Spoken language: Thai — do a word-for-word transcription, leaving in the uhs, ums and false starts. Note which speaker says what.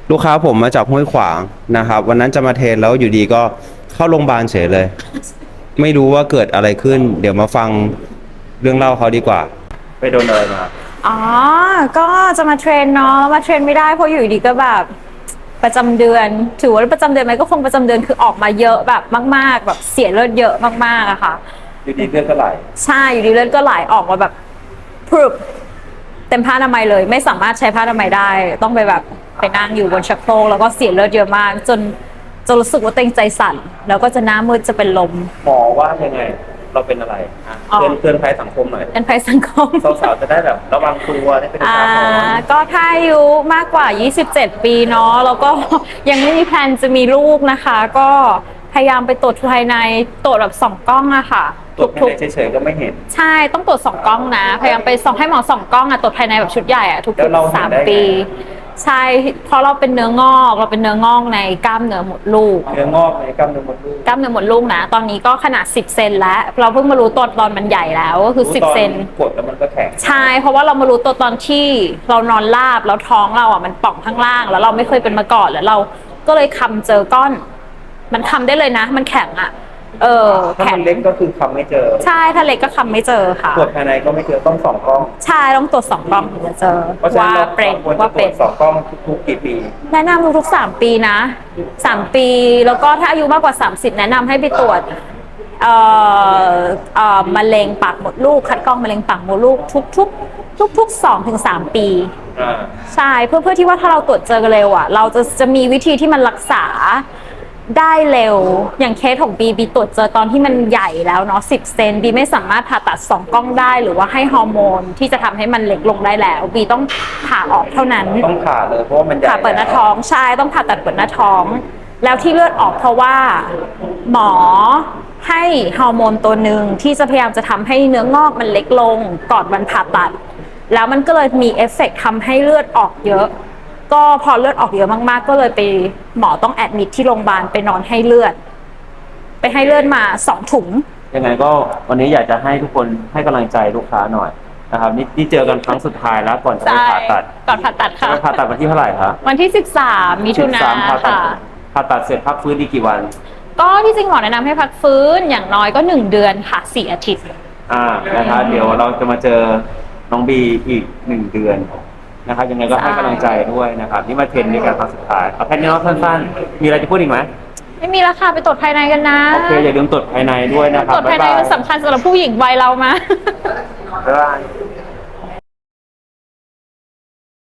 Speaker 1: ลูกค้าผมมาจากห้วยขวางนะครับวันนั้นจะมาเทรนแล้วอยู่ดีก็เข้าโรงพยาบาลเฉยเลย ไม่รู้ว่าเกิดอะไรขึ้น เดี๋ยวมาฟังเรื่องเล่าเขาดีกว่าไปโดนอะไรมา
Speaker 2: อ๋อ ก็จะมาเทรนเนาะมาเทรนไม่ได้เพราะอยู่ดีก็แบบประจำเดือนถือว่าประจำเดือนไหมก็คงประจำเดือนคือออกมาเยอะแบบมากๆแบบเสียเลือดเยอะมากๆอะค่ะ
Speaker 1: อยู่ดีเลือดก็ไหล
Speaker 2: ใช่อยู่ดีเลือดก็ไหลออกมาแบบพรึบเต็มผ้าอนามัยเลยไม่สามารถใช้ผ้าอนามัยได้ต้องไปแบบไปนั่งอยู่บนชักโครกแล้วก็เสียเลือดเยอะมากจนจะรู้สึกว่าเต็งใจสั่นแล้วก็จะหน้ามืดจะเป็นลม
Speaker 1: หมอว่ายังไงเราเป็นอะไรเตือนเตือนภัยสังคมหน่อย
Speaker 2: เป็นภัยสังคม
Speaker 1: สาวๆจะได้แบบระวังตัวได้เป็นอุทาหรณ์
Speaker 2: ก็ถ้าอายุมากกว่ายี่สิบเจ็ดปีเนาะแล้วก็ยังไม่มีแพลนจะมีลูกนะคะก็พยายามไปตรวจภายในตรวจแบบส่องกล้องอะค่ะ
Speaker 1: ตรวจภายในเฉยๆก็ไม่เห็น
Speaker 2: ใช่ต้องตรวจสองกล้องนะพยายามไปส่องให้หมอส่องกล้องอะตรวจภายในแบบชุดใหญ่อะทุกๆสามปีใช่เพราะเราเป็นเนื้องอกเราเป็นเนื้องอกในกล้ามเนื้อมดลูก
Speaker 1: เนื้องอกในกล้ามเนื้อมดลูก
Speaker 2: กล้ามเนื้อมดลูกนะตอนนี้ก็ขนาดสิบเซนแล้วเราเพิ่งมารู้ตัวตอนมันใหญ่แล้วก็คือสิบเซน
Speaker 1: กดแล้วมันก็แข็ง
Speaker 2: ใช่เพราะว่าเรามารู้ตัวตอนที่เรานอนราบแล้วท้องเราอ่ะมันป่องข้างล่างแล้วเราไม่เคยเป็นมาก่อนแล้วเราก็เลยคำเจอก้อนมันคำได้เลยนะมันแข็งอ่ะเออ
Speaker 1: ถ้ามันเล็กก็คือคำไม่เจอ
Speaker 2: ใช่ถ้าเล็กก็คำไม่เจอค่ะ
Speaker 1: ตรวจภายในก็ไม่เจอต้องสองกล้อง
Speaker 2: ใช่ต้องตรวจสองกล้องถึงจะเจอว่าเป็นว่าเป็น
Speaker 1: สองกล้องทุกๆกี่ปี
Speaker 2: แนะนำทุกๆสามปีนะสามปีแล้วก็ถ้าอายุมากกว่าสามสิบแนะนำให้ไปตรวจเอ่อเอ่อมะเร็งปากมดลูกคัดกรองมะเร็งปากมดลูกทุกๆทุกๆสองถึงสามปีใช่เพื่อเพื่อที่ว่าถ้าเราตรวจเจอเร็วอ่ะเราจะจะมีวิธีที่มันรักษาได้เร็วอย่างเคสของบีบีตรวจเจอตอนที่มันใหญ่แล้วเนาะสิบเซนบีไม่สามารถผ่าตัดสองกล้องได้หรือว่าให้ฮอร์โมนที่จะทำให้มันเล็กลงได้แล้วบีต้องผ่าออกเท่านั้น
Speaker 1: ต้องผ่าเลยเพราะว่ามันใหญ่
Speaker 2: ผ่าเปิดหน้าท้องใช่ต้องผ่าตัดเปิดหน้าท้องแล้วที่เลือดออกเพราะว่าหมอให้ฮอร์โมนตัวหนึ่งที่จะพยายามจะทำให้เนื้องอกมันเล็กลงก่อนวันผ่าตัดแล้วมันก็เลยมีเอฟเฟกต์ทำให้เลือดออกเยอะก็พอเลือดออกเยอะมากๆก็เลยไปหมอต้องแอดมิทที่โรงพยาบาลไปนอนให้เลือดไปให้เลือดมาสองถุง
Speaker 1: ยังไงก็วันนี้อยากจะให้ทุกคนให้กำลังใจลูกค้าหน่อยนะครับนี่นี่เจอกันครั้งสุดท้ายแล้วก่อนจะไปผ่าตัด
Speaker 2: ก่อนผ่าตัดค่ะ
Speaker 1: ผ่าตัดวันที่เท่าไหร่ครับ
Speaker 2: วันที่สิบสามมิถุนายนค่ะ
Speaker 1: ผ่าตัดเสร็จพักฟื้นอีกกี่วัน
Speaker 2: ก็ที่จริงหมอแนะนำให้พักฟื้นอย่างน้อยก็หนึ่งเดือนค่ะสี่อาทิตย์
Speaker 1: อ่านะครับเดี๋ยวเราจะมาเจอน้องบีอีกหนึ่งเดือนนะครับยังไงก็ให้กำลังใจด้วยนะครับนี่มาเทรนในการครั้งสุดท้ายเอาแค่นี้เนาะสั้นๆมีอะไรจะพูดอีกไหม
Speaker 2: ไม่มีแล้วค่ะไปตรวจภายในกันนะ
Speaker 1: โอเคอย่าลืมตรวจภายในด้วยนะครับ
Speaker 2: ตรวจภายในมันสำคัญสำหรับผู้หญิงวัยเรามา
Speaker 1: บ๊ายบาย